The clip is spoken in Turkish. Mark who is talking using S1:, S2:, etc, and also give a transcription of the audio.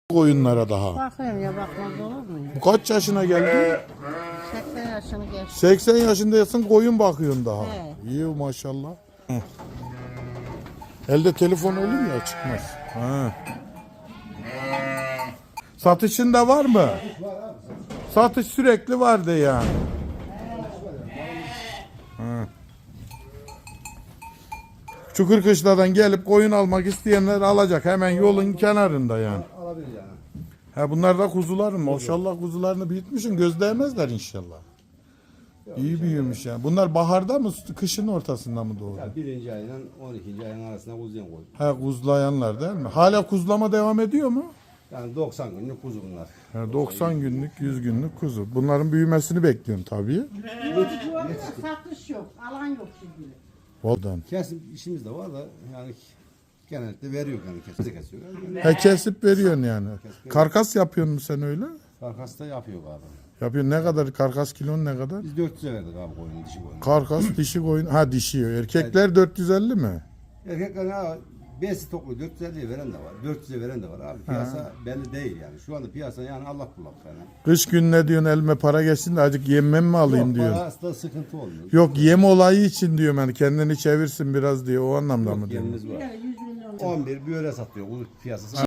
S1: Koyunlara daha.
S2: Bakıyorum ya, bakmaz olur mu ya?
S1: Bu kaç yaşına geldi?
S2: 80 yaşını geçti.
S1: 80 yaşındasın, koyun bakıyorsun daha.
S2: Evet.
S1: İyi maşallah. Hı. Elde telefon olunca çıkmaz. Ha. Satışın da var mı? Satış sürekli vardı yani. Ha. Çukurkışla'dan gelip koyun almak isteyenler alacak. Hemen yolun kenarında yani.
S3: Alabilir yani.
S1: Ha bunlar da kuzuların. Maşallah kuzularını büyütmüşsün. Göz değmezler inşallah. İyi büyümüş yani. Bunlar baharda mı, kışın ortasında mı doğdu?
S3: Ya 1. ayla 12. ayın arasında kuzuyan koydum.
S1: Ha kuzlayanlar değil mi? Hala kuzlama devam ediyor mu?
S3: Yani 90 günlük kuzu bunlar.
S1: Ha, 90 günlük, 100 günlük kuzu. Bunların büyümesini bekliyorum tabii.
S2: Satış yok, alan yok şimdi.
S1: Voldan.
S3: Kesim işimiz de var da yani genellikle veriyor yani kesiyor.
S1: Ha kesip veriyorsun yani. Karkas yapıyorsun mu sen öyle?
S3: Karkas da yapıyor abi.
S1: Yapıyorsun. Ne kadar karkas, kilon ne kadar?
S3: Biz 400'e verdik abi koyunu, dişi koyunu.
S1: Karkas dişi koyun. Ha dişi. Erkekler 450 mi?
S3: Erkekler ha besi toplu 450'ye veren de var. 400'e veren de var abi. Piyasa belli değil yani. Şu anda piyasa yani Allah kullak yani.
S1: Kış günü ne diyorsun, elime para geçsin de azıcık yemem mi alayım
S3: Yok,
S1: diyorsun.
S3: parasında sıkıntı olmuyor.
S1: Yok yem olayı için diyorum yani kendini çevirsin biraz diye o anlamda mı diyorsun?
S3: Yerimiz var.
S2: 100 milyon.
S3: 11 bir öyle satıyor. Bu piyasası